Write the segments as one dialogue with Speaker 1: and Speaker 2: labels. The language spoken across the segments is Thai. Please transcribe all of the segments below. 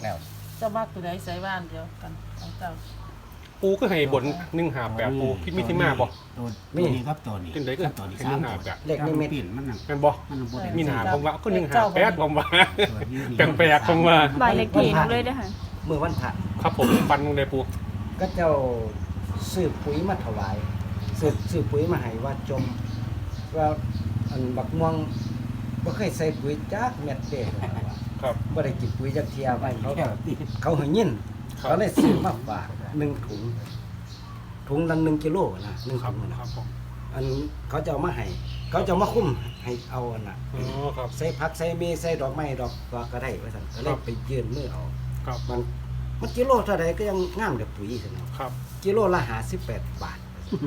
Speaker 1: แล้ว
Speaker 2: เจ้ามากตัวใดใส่บ้านเดียวกันของเจ้า
Speaker 3: ปูก็ให้บน158ปูคิดมีที่มาบ่
Speaker 1: ตัวนี้ครับตัวนี้
Speaker 3: ขึ้นได้ก็
Speaker 1: ตัวนี้
Speaker 3: ให้
Speaker 1: 3
Speaker 3: 158
Speaker 1: เลขนิมิตมันน่ะ
Speaker 3: แม่นบ่
Speaker 1: มันบ่ได้
Speaker 3: มีหนาผมว่าก็158ผมว่าแปลกๆผมว่า
Speaker 4: บ้านเลขที่หนูเลยเด้อค่ะ
Speaker 1: เมื่อวันพระ
Speaker 3: ครับผมฟันลงในปู
Speaker 1: ก็เจ้าซื้อปุ๋ยมาถวายซื้อปุ๋ยมาให้ว่าจมว่าอันบักม่วงบ่เคยใส่ปุ๋ยจักเม็ดเด้ว่า
Speaker 3: ครับ
Speaker 1: บ่ได้กินปุ๋ยจักเที่ยไว้เขาให้ยิน
Speaker 3: ครับ
Speaker 1: เขาเลยซื้อมาฝาก1ถุงละ1กิโลนะ1
Speaker 3: ครับ
Speaker 1: ถุงนะครับ
Speaker 3: ผม
Speaker 1: อันเขาจะเอามาให้เขาจะเอามาคุ้มให้เอาอันน่ะ
Speaker 3: อ๋อครับ
Speaker 1: ใส่ผักใส่เมใส่ดอกไม้ดอกก็ได้ว่าซั่นก็เล
Speaker 3: ครั
Speaker 1: ย
Speaker 3: บ
Speaker 1: ไปยื่นมือเอา
Speaker 3: ครับ
Speaker 1: มันกิโลเท่าใดก็ยังงามเด้อปุ๋ยซั่นเนาะ
Speaker 3: ครับ
Speaker 1: กิโลละ58 บาท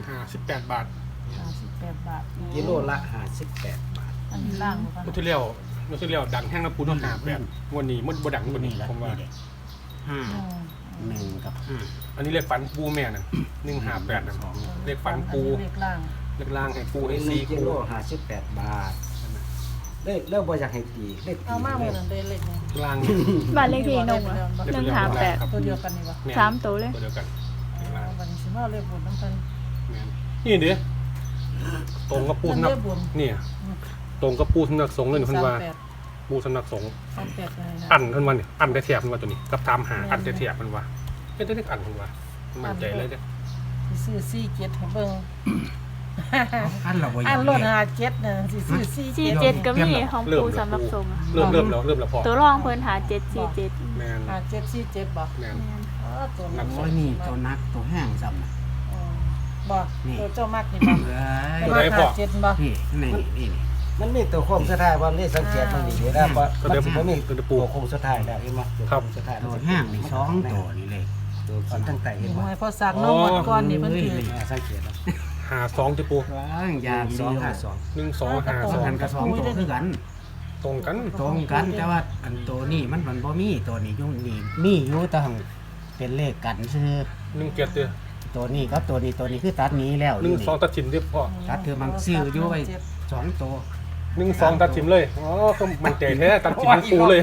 Speaker 3: 58 บาท
Speaker 2: 58 บาท
Speaker 1: กิโลละ58 บาท
Speaker 2: อันนี้ล่างบ่
Speaker 3: เมื่อที่แล้วดังแห้งน้ำปูน้ำหาแบบวันนี้มันบ่ดังกว่านี้ผมว่า
Speaker 1: ห้า
Speaker 2: อืม
Speaker 1: หนึ่งกับห้า
Speaker 3: อันนี้เรียกฟันปูแม่น่ะ158น่ะเรียกฟันปู
Speaker 2: เลขล่าง
Speaker 3: เรียกล่างให้ปูให้
Speaker 1: หนึ่
Speaker 3: ซี
Speaker 1: งกิ
Speaker 3: ปู
Speaker 1: โล58 บาทได้แล้วบ่อยากให้ตีเลขตี
Speaker 2: เอามาเมื่อนั้นได้เลขนี้
Speaker 3: ล่าง
Speaker 4: บ้านเลขที่หนูอะ158
Speaker 2: ตัวเดียวกันนี่บ่
Speaker 3: แม่น
Speaker 4: 3ตัวเลย
Speaker 3: ตัวเดียวกันเรียกล่าง
Speaker 2: วันนี้สิมาเลขบนน้ำเพิ่น
Speaker 3: แม่นนี่เด้ตรงกับปูสำนัก
Speaker 2: เลขบน
Speaker 3: เนี่ยตรงกับปูสำนักสงฆ์เลยเพิ่นว่า
Speaker 2: 38
Speaker 3: ปูสำนักสงฆ์
Speaker 2: 38เลยนะ
Speaker 3: อันเพิ่นว่านี่อันได้แถบเพิ่นว่าตัวนี้กับตามหาอันได้แถบเพิ่นว่าเฮ็ดได้อันเพิ่นว่ามั่นใจเลยเด้อ
Speaker 2: สิซื้อ47ให้เบิ่ง
Speaker 1: อันเราบ่อยา
Speaker 2: อั
Speaker 1: ก
Speaker 2: นรถ57น่ะสิซื้อ47
Speaker 4: 47ก็มีของปูสำหรับทรงอะ
Speaker 3: เริ่มแล้วพอ
Speaker 4: ตัวรองเพิ่นหา747
Speaker 3: แม่น
Speaker 2: 5747บ่
Speaker 3: แม่น
Speaker 2: อ๋อตัวนั้น
Speaker 1: โอ้ยนี่ตัวนักตัวแห้งซ้ำนะ
Speaker 2: บ่ตัวเจ้ามักนี่บ่
Speaker 1: เอ้ย
Speaker 2: ตัวมัก57บ่
Speaker 1: นี่มันมีตัวโค้งสุดท้ายบ่นี่สังเกตมันดีๆนะบ่มันสิบ่มีตัวโค้งสุดท้ายแล้วเห็นบ่ตัวโค้งสุดท้ายตัวแห้งนี่2ตัวนี่เลยตัวขีดตั้งแต่เห็นบ่
Speaker 2: หวยพอสักน้องหมดก่อนนี่เพิ่นถือ
Speaker 1: สังเกต
Speaker 3: หา2จะปู
Speaker 1: ว้างยาง252
Speaker 3: 1 2 5
Speaker 1: 2
Speaker 3: 2
Speaker 1: กับ2ตัวคือกัน
Speaker 3: ตรงกัน
Speaker 1: ตรงกันแต่ว่าอันตัวนี้มันบ่มีตัวนี้อยู่นี่มีอยู่แต่หั้งเป็นเลขกันซื่อ
Speaker 3: 1 7เด้อ
Speaker 1: ตัวนี้กับตัวนี้คือตัดนี้แล้ว
Speaker 3: 1 2ตัดชิ้นเรียบพอ
Speaker 1: ตัดคือมันซื้ออยู่ไว้2ตัว
Speaker 3: 1 2ตัดชิ้นเลยอ๋อก็มั่นใจแท้ตัดชิ้นปูเลย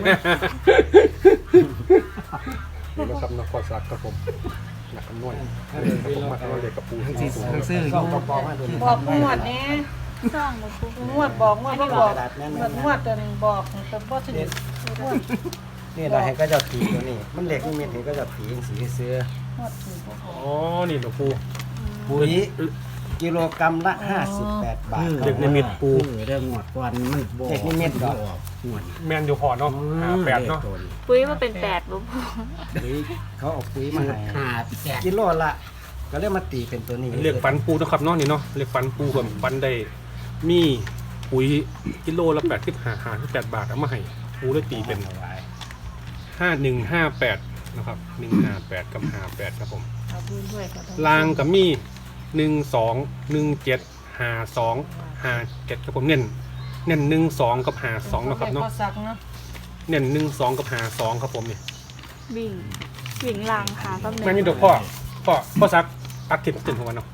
Speaker 3: นี่นะครับนครสวรรค์ครับผมหนักคำนวณผมมาทำเด็กกับปู
Speaker 1: ทั้งซื้ออยู่
Speaker 2: บอกงวดนี้
Speaker 4: ซ่องบ่ปู
Speaker 2: งวดบอกงวดบ่บอกงวดตัวนึงบอกแต่บ่ถึงงวด
Speaker 1: นี่เราให้ก็จะตีตัวนี้ มันเล็กนิดเห็นก็จะตีสีเสื้อง
Speaker 2: วดถือบ่พอ
Speaker 3: อ๋อนี่หลวงปู่
Speaker 1: ปุ๋ยกิโลกรัมละ58 บาท
Speaker 3: เด็กนิมิตปู
Speaker 1: เรื่องหมดก่อนมันเด็กนิมิตดอกหมด
Speaker 3: แมนอยู่พอเนาะ58เนาะ
Speaker 4: ปุ้ยว่าเป็น8บ่ปู
Speaker 1: ปุ๋ยเขาเอาปุ๋ยมาให้กิโลละก็เลยมาตีเป็นตัวนี้
Speaker 3: เรียกฟันปูนะครับเนาะนี่เนาะเรียกฟันปูกับฟันได้มีปุ๋ยกิโลละ58 บาทเอามาให้ปูได้ตีเป็น5158นะครับ158กับ58ครับผม
Speaker 2: เอาดูด้วยค่ะ
Speaker 3: ลางกับมี12175257ครับผมเน้น12กับ52นะครับเนาะ
Speaker 2: พอสักเนาะ
Speaker 3: เน้น12กับ52ครับผมนี่
Speaker 4: วิ่งลางค่ะกับ
Speaker 3: แม่นี่เดี๋ยวพ่อซักตัดถิ่นของมันเนาะ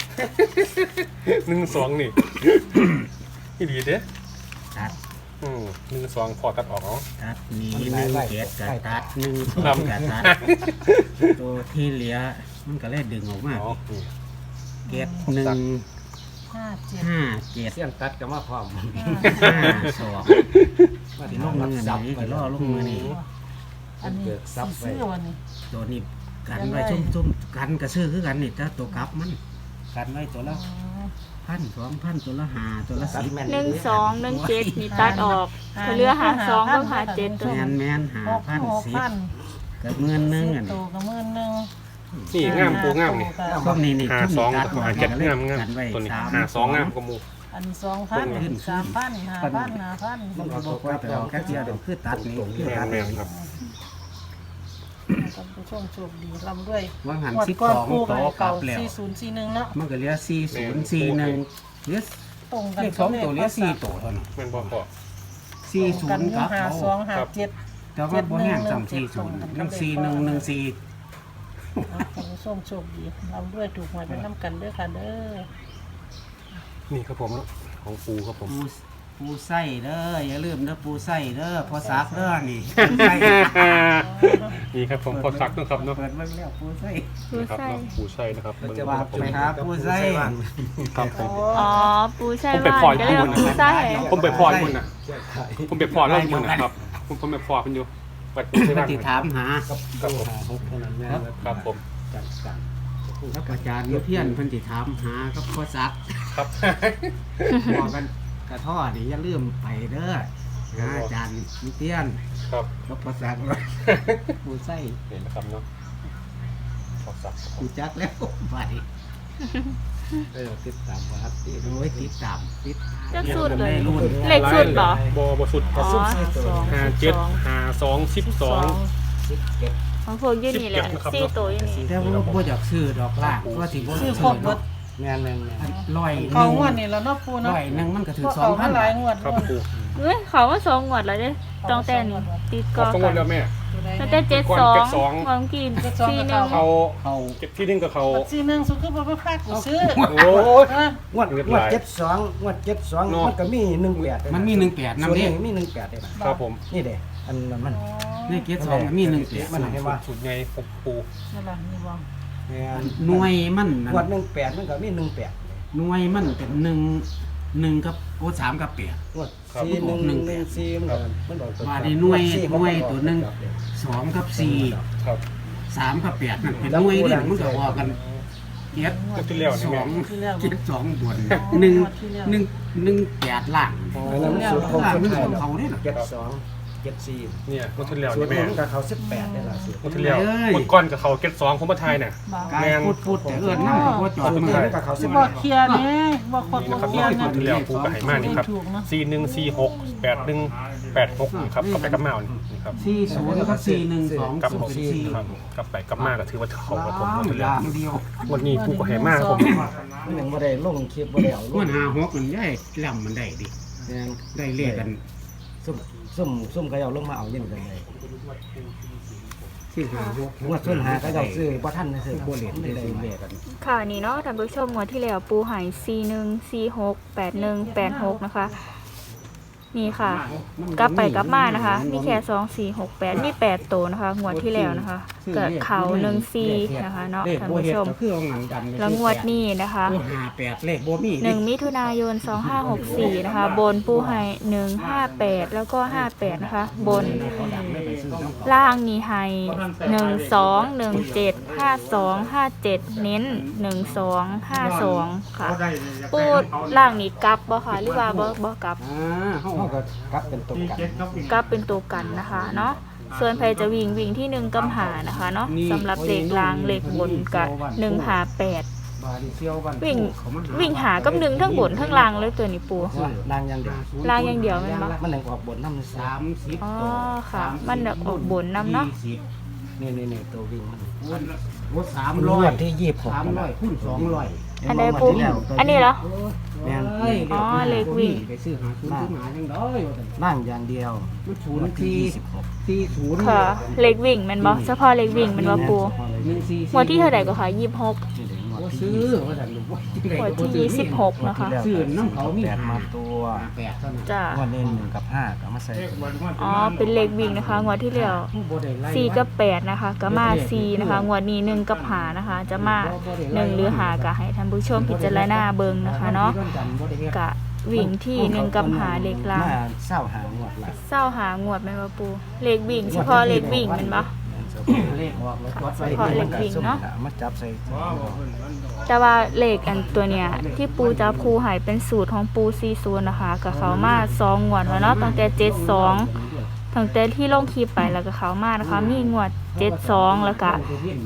Speaker 3: 12นี่นี่ดีเด้
Speaker 1: ตัด
Speaker 3: 12พอตัดออกเนาะ
Speaker 1: ตัดนี้1 7กับตัด1
Speaker 3: ครับ
Speaker 1: กับตัดตัวที่เหลือมันก็เลยดึงออกมา
Speaker 3: อ๋อนี่
Speaker 1: เก็บ1
Speaker 2: 57
Speaker 1: 5 7
Speaker 5: เสียงตัดก็มาพร้อม
Speaker 1: 5 2มาที่ลงมือนี้ก็ล่อลงมือนี้
Speaker 2: อันนี้ซื้อวันนี้
Speaker 1: ตัวนี้กันไว้ชุ่มๆกันกระซื้อคือกันนี่แต่ตัวกลับมันกันไว้ตัวละ1,000 2,000ตัวละ5ตัวละ10
Speaker 4: 12 17นี่ตัดออกก็เหลือ52กับ57ตัว
Speaker 1: แม่น
Speaker 2: 6,000
Speaker 1: 5,010กับ1,000นึงอัน
Speaker 2: ตัวก็10,000
Speaker 3: นี่งามปูงามนี่
Speaker 1: พวกนี้นี่
Speaker 3: 52กับ57งามตัวนี้52งามกว่าหมู่
Speaker 2: อันนี้2,000 3,000 5,000
Speaker 1: มันก็บอกว่าไปเอาแค่เดียวเดี๋ยวคือตัดนี่คือตัด
Speaker 3: แม่นครับ
Speaker 2: ท่านผู้ชมโชคดีร่ำด้วย
Speaker 1: ว่าหัน
Speaker 2: งวด
Speaker 1: 12
Speaker 2: ก่อนปู
Speaker 1: โต
Speaker 2: ไป
Speaker 1: กลั
Speaker 2: เก่า
Speaker 1: บแล้ว
Speaker 2: 4041เนาะ
Speaker 1: มันก็เหลือ4041เหลือ
Speaker 2: ตรงกัน
Speaker 1: เลข2ตัวเหลือ4ตัวเท่านั้น
Speaker 3: แม่นบ่พอ
Speaker 1: 40กับเอา
Speaker 2: 5257
Speaker 1: แต่ว่าบ่แห้งซ้ำ40 14114
Speaker 2: ท่านผู้ชมโชคดีร่ำด้วยถูกหวยไปน้ำกันเด้อค่ะเด้อ
Speaker 3: นี่ครับผมของปูครับผม
Speaker 1: ปู
Speaker 5: ปูไส้เด้ออย่าลืมเด้อปูไส้เด้อพอซักเด้อนี่ปูไส้
Speaker 3: นี่ครับผมพอซักนะครับเนาะ
Speaker 5: เปิดเบิ่งแล้วปูไส้
Speaker 4: ปู
Speaker 3: นะครับ
Speaker 4: ไส้
Speaker 3: เนาะปูไส้นะครับเบิ่ง
Speaker 1: จะ
Speaker 3: ค
Speaker 1: ว่า
Speaker 3: รับผม
Speaker 5: ไปครับปูไส้
Speaker 3: ครับผม
Speaker 4: อ๋อปูไส้
Speaker 3: ผมไป
Speaker 4: บ้า
Speaker 3: ปล่อย
Speaker 4: นก็เรียกว่า
Speaker 3: ปู
Speaker 4: ปู
Speaker 3: นะ
Speaker 4: ไส้
Speaker 3: ผมไปพอดมันน่ะ
Speaker 1: แก้ไข
Speaker 3: ผมไปพอดแล้วมันนะครับผมไปพอดมันอยู่วัดปูไส้
Speaker 5: ป
Speaker 3: บ้าน
Speaker 5: ฏิถามหา
Speaker 1: กับตู้หาหกเท่านั้นแม่นแล้ว
Speaker 3: ครับผม
Speaker 1: จัดการ
Speaker 5: ครับอาจารย์เพี้ยนเพิ่นสิถามหาครับพอซัก
Speaker 3: ครับ
Speaker 5: บอกกันกระท่อนี่อย่าลืมไปเด้อหาอาจารย์เพี้ยน
Speaker 3: ครับ
Speaker 5: ครับพอซักเลยปูไส้
Speaker 3: เห็นนะครับเนาะพอซักครับผ
Speaker 5: ปู
Speaker 3: ม
Speaker 5: จักแล้วไป
Speaker 1: ติดตามว่าติด
Speaker 5: โดยติดตามติด
Speaker 4: จะสุดเลย
Speaker 5: รุ่น
Speaker 4: เลขสุดเหรอ
Speaker 3: บ่สุด
Speaker 4: อ๋อ
Speaker 3: 57 52 12
Speaker 4: ของพวกอยู่นี่แหละ
Speaker 3: 17นะครับ
Speaker 4: สี่ตัวอยู่นี่
Speaker 5: แต่ว่าบ่อยากซื้อดอกล่างก็สิบ่
Speaker 2: ซื้อ
Speaker 5: ซื้
Speaker 2: ครบ
Speaker 5: อ
Speaker 2: หม
Speaker 5: ดอ
Speaker 2: ด
Speaker 5: ก
Speaker 1: แม่นแม่นแม่น
Speaker 5: ร้อย
Speaker 2: เขางวดนี่แล้วเนาะปูเนาะ
Speaker 5: ร้อยหนึงมันก็ถึง
Speaker 2: เพราะเขามาหลายงวด
Speaker 3: ครับปู
Speaker 4: เฮ้ยเขาว่าสองงวดแล้วเด้ต้องแต่นี่ติด
Speaker 3: ข
Speaker 4: ก่
Speaker 3: อ
Speaker 4: อ
Speaker 3: สงวนแล้วแม่
Speaker 4: ตั้งแต่72
Speaker 3: ก่อน72
Speaker 4: ของกิน41
Speaker 3: เขา
Speaker 5: เขา
Speaker 3: เก็บที่นึงกับเขา
Speaker 2: บัตร4 1สุคือบ่ไปพากูซื้อ
Speaker 3: โอ้ย
Speaker 2: นะ
Speaker 1: งวด72งวด72
Speaker 3: เนาะ
Speaker 1: มันก็มี18
Speaker 5: มันมี18
Speaker 1: นำ
Speaker 5: นำ
Speaker 1: เด้
Speaker 5: เด้
Speaker 1: มี18ได้ล่ะ
Speaker 3: ครับผม
Speaker 1: นี่เด้อันนั้นมัน
Speaker 5: ในเกียรติ2มี18
Speaker 1: มันเห็นว่า
Speaker 3: สุดไงผมปู
Speaker 2: นั่นล่ะนี่บ่
Speaker 1: แม่น
Speaker 5: หน่วยมัน
Speaker 1: งวด18มันก็มี18
Speaker 5: หน่วยมันเป็น1กับโอ้3กับ8
Speaker 1: งวด4114มันบอก
Speaker 5: ว่าได้หน่วยตัวหนึง2กับ4
Speaker 3: ครับ
Speaker 5: 3กับ8นั่นเป็นหน่วยเด้มันก็ออกกันเกียรติ
Speaker 3: ก็ที่แล้วนี่แม่
Speaker 5: 2เกียรติ2บน1 8ล่าง
Speaker 1: อันนั้นมันสูตรของคนไทย
Speaker 5: เขาเด้น่ะ
Speaker 1: 72
Speaker 3: เนี่ยก็ที่แล้ว
Speaker 1: สูต
Speaker 3: นี่
Speaker 1: ร
Speaker 3: แม่
Speaker 1: มันก็เขา18ได้ล่ะสูตร
Speaker 3: ก็ที่แล้วคนก้อนกับเขาเก็ต2ผมมาทายน่ะ
Speaker 5: กายพูดแต่เอิ้นนำก็บ่จอด
Speaker 1: สูตร
Speaker 5: มื
Speaker 1: นี้
Speaker 5: อ
Speaker 1: มันก็เขา
Speaker 2: สิบ่เคลียร์นี่บ่ครบ
Speaker 3: นี่
Speaker 2: บ่
Speaker 3: นะครับ
Speaker 2: เคลียร์
Speaker 3: ก็
Speaker 2: นะ
Speaker 3: ที่แล้วปูกับไหมากนี่ครับ4146 8186ครับกับไปกับมานี่ครับ
Speaker 5: 40กับ412
Speaker 3: กับ
Speaker 5: เป็น4
Speaker 3: ครับกับไปกับมาก็ถือว่าเขากับผมหมด
Speaker 5: อ
Speaker 3: แล้
Speaker 5: ย่าว งเดียว
Speaker 3: วันนี้ปูกับไหมากผม
Speaker 1: มันยังบ่ได้ลงคลิปบ่ได้เอาล
Speaker 5: มั
Speaker 1: ง
Speaker 5: น56มันได้ลำมันได้ดิ
Speaker 1: แม่น
Speaker 5: ได้เลขกัน
Speaker 1: ซุ่มเขาเอาลงมาเอาอย่างกันเลย
Speaker 5: ที่56
Speaker 1: งวดส่วนหาเขาเอาซื้อบ่ทันซื้อ
Speaker 5: บ่เล่น
Speaker 1: ได้
Speaker 5: ได้
Speaker 1: เลย
Speaker 5: เลขกัน
Speaker 4: ค่ะนี่เนาะท่านผู้ชมงวดที่แล้วปูหาย41468186นะคะนี่ค่ะ กลับไปกลับมานะคะ มีแค่2468มี8ตัวนะคะงวดที่แล้วนะคะเกิดเขา14นะคะเนาะ
Speaker 5: เลข
Speaker 4: ท่าน
Speaker 5: บ่
Speaker 4: ผู้
Speaker 5: เฮ็ด
Speaker 4: ชม
Speaker 5: ก็คือเอาหนังดันไป
Speaker 4: แล้วงวดนี้นะคะ
Speaker 5: 58เลขบ่มี
Speaker 4: 1 มิถุนายน 2564 นะคะ บนปูไห้158 แล้วก็ 58 นะคะ บนล่างนี่ไห้12175257 เน้น 1252 ค่ะ ปูล่างนี่กลับบ่ค่ะหรือว่าบ่กลับ
Speaker 5: เฮา
Speaker 1: เขาก็กลับเป็นตัวกัน
Speaker 4: กลับเป็นตัวกันนะคะเนาะส่วนใครจะวิ่งที่1กำหานะคะเนาะสำหรับเลขล่างเลขบนกับ158
Speaker 5: บาดิเซียวบ้าน
Speaker 4: วิ่งหากับ1ทั้งบนทั้งล่างเลยตัวนี้ปู
Speaker 1: นางอย่างเดียว
Speaker 4: ล่างอย่างเดียวแม่นบ่
Speaker 1: มันยังออกบนน้ำซ้
Speaker 5: 30
Speaker 4: อ๋อค่ะมันออกบนนำเนาะ
Speaker 1: ำนี่ตัววิ่งมัน
Speaker 5: บ่
Speaker 1: งวด
Speaker 5: 300
Speaker 1: ที่26
Speaker 5: 300คูณ200
Speaker 4: อันใดปูอันนี้เหรอ
Speaker 1: แม่น
Speaker 4: อ๋อเลขวิ่ง
Speaker 5: ไปซื้อหาซื้อหาจังได๋ว่าซั่น
Speaker 1: นั่งอย่างเดียว
Speaker 5: มัน
Speaker 1: งวดที่
Speaker 5: 0
Speaker 4: ค่ะเลขวิ่งแมันบ่เฉพาะเลขวิ่งแมันบ่ปู
Speaker 5: 144
Speaker 4: งวดที่เท่าไหร่ก็ค่ะ26
Speaker 5: บ่ซื้อว่าซั่นลูกว่าจังได๋
Speaker 4: งวด
Speaker 5: ก็บ่
Speaker 4: ที่
Speaker 5: ซื้อ
Speaker 4: 26นะคะ
Speaker 5: ซื้อน้ำเขามี
Speaker 1: 8มาตัว
Speaker 5: 8เท่านั้น
Speaker 4: จ้ะ
Speaker 1: งวดนี้1กับ5ก็มาใส่ตัวนี้
Speaker 4: อ๋อเป็นเลขวิ่งนะคะงวดที่แล้ว
Speaker 5: บ่ได้ไล่
Speaker 4: 4กับ8นะคะก็มา4นะคะงวดนี้1กับ5นะคะ จะมา1หรือ5ก็ให้ท่านผู้ชมพิจารณาเบิ่งนะคะเนาะกะวิ่งที่1กับ5เลขล่าง
Speaker 1: มาเศร้าหางวดละ
Speaker 4: เศร้าหางวดแม่นบ่ปูเลขวิ่งเฉพาะเลขวิ่งแม่นบ่
Speaker 5: เลขออกแล้วจด
Speaker 4: เฉ
Speaker 5: ไว้
Speaker 4: พาะเลขวิ่งเนาะ
Speaker 1: มาจับใส่
Speaker 4: แต่ว่าเลขอันตัวเนี้ยที่ปูจับคูใหายเป็นสูตรของปู40นะคะกับเขามา2งวดแล้วเนาะตั้งแต่72ตั้งแต่ที่ลงคลิปไปแล้วก็เขามานะคะมีงวด72แล้วก็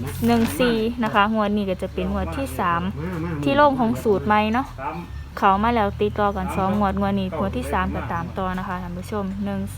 Speaker 4: 14นะคะงวดนี้ก็จะเป็นงวดที่3ที่ลงของสูตรใหม่เนาะเขามาแล้วติดต่อกัน2งวดงวดนี้งวดที่3ก็ตามต่อนะคะท่านผู้ชม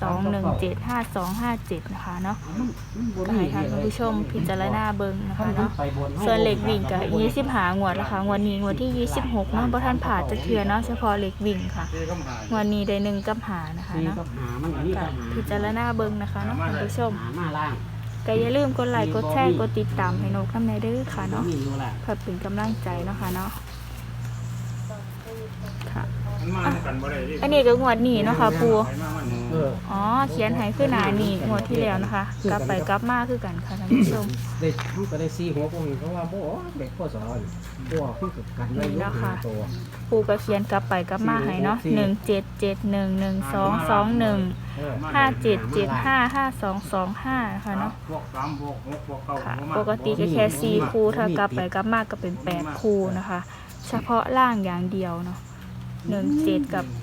Speaker 4: 12175257นะคะเนาะก็ให้ท่านผู้ชมพิจารณาเบิ่งนะคะเนาะส่วนเลขวิ่งก็25งวดแล้วค่ะงวดนี้งวดที่26เนาะบ่ทันผ่านจักเทื่อเนาะเฉพาะเลขวิ่งค่ะงวดนี้ได้1กับ5นะคะเนาะก็พิจารณาเบิ่งนะคะเนาะท่านผู้ชม
Speaker 5: มาล่าง
Speaker 4: ก็อย่าลืมกดไลค์กดแชร์กดติดตามให้นกน้ำในเด้อค่ะเนาะ
Speaker 5: มีอยู่ล่ะ
Speaker 4: เพื่อเป็นกำลังใจเนาะค่ะเนาะค่ะ
Speaker 5: อ
Speaker 3: มันมากันบ่ได้ดิ
Speaker 4: อันนี้ก็งวดนี้เนาะค่ะปู
Speaker 3: ไปมามัน
Speaker 1: เออ
Speaker 4: อ๋อเขียนให้ขึ้นหน้านี่งวดที่แล้วนะคะ กลับไปกลับมาคือกันค่ะท่านผู้ชม
Speaker 5: ได้มันก็ได้4หัวพวกนี้เขาว่าบ่เด็กพ่อสอนบ่คือกันไว้อยู่หาตัว
Speaker 4: ปูก็เขียนกลับไปกลับมาให้เนาะ17711221
Speaker 5: เออ
Speaker 4: 57755225นะคะเนาะ
Speaker 3: พวก3พวก6พวก9
Speaker 4: ค่ะปกติก็แค่4คู่ถ้ากลับไปกลับมาก็เป็น8คู่นะคะ เฉพาะล่างอย่างเดียวเนาะ17กับ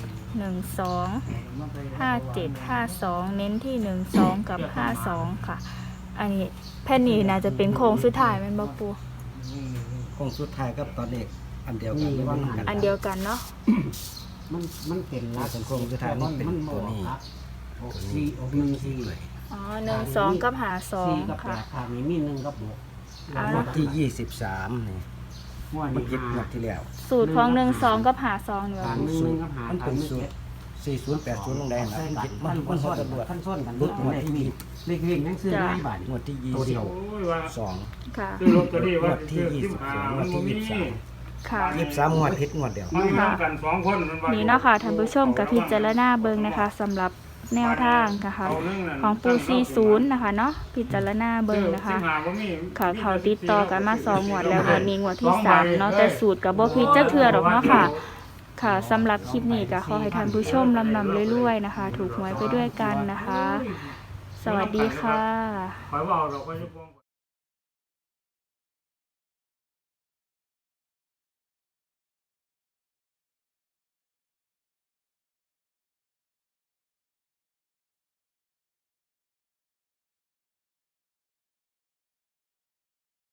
Speaker 4: 12 5752เน้นที่12กับ52ค่ะ อันนี้แผ่นนี้น่าจะเป็นโค้งสุดท้ายแม่นบ่ปู
Speaker 1: คงสุดท้ายกับตอนเด็กอันเดียวกันไม่ว่ากัน
Speaker 4: อันเดียวกันเนาะ
Speaker 5: มันเป็นลัก
Speaker 1: เป็นโครงสุดท้ายมันเป็นตัวนี้
Speaker 5: 4ออก1 4
Speaker 4: อ๋อ12กับ
Speaker 5: 4กับ
Speaker 4: 52ค่ะ
Speaker 5: 8ทางนี้มี1กับ6
Speaker 4: เอา
Speaker 1: งว
Speaker 4: ละ
Speaker 1: ดที่23นี่
Speaker 5: งวด
Speaker 1: มัน
Speaker 5: นี้
Speaker 1: คิดงวดที่แล้ว
Speaker 4: สูตรของ12กับ52นี่
Speaker 5: ทา
Speaker 4: ว่าง ปู
Speaker 5: 1กับหา
Speaker 1: มันเป็นสูตร4080ลงแดงนะมันคิดมันฮอดตำรวจ
Speaker 5: ขั้นส้นกัน
Speaker 1: รุดงวดที่
Speaker 5: เลขวิ่งยังซื้อได้บาท
Speaker 1: งวดที่
Speaker 5: ตัวเดียว
Speaker 3: โอ้ยว่า
Speaker 1: 22
Speaker 4: ค่ะ
Speaker 3: ซื้อลอตเตอรี่ว่า
Speaker 1: งวดที่
Speaker 3: ซื้อ
Speaker 1: 22
Speaker 3: 15มันบ่มี
Speaker 4: ค่ะ
Speaker 1: 23งวดผิดงวดเดียว
Speaker 3: มันนำกัน2คนมันว่า
Speaker 4: นี่เนาะค่ะท่านผู้ชมกับพิจารณาเบิ่งนะคะสำหรับแนวทางนะคะของปู40นะคะเนาะพิจารณาเบิ่งนะคะ ค่ะเขาติดต่อกันมา2งวดแล้ววันนี้งวดที่3เนาะแต่สูตรกับบ่ผิดจักเทื่อดอกเนาะค่ะ ค่ะสำหรับคลิปนี้ก็ขอให้ท่านผู้ชมลำเรื่อยๆนะคะ ถูกหวยไปด้วยกันนะคะ สวัสดีค่ะ
Speaker 3: ขอยว่าเราก็จะ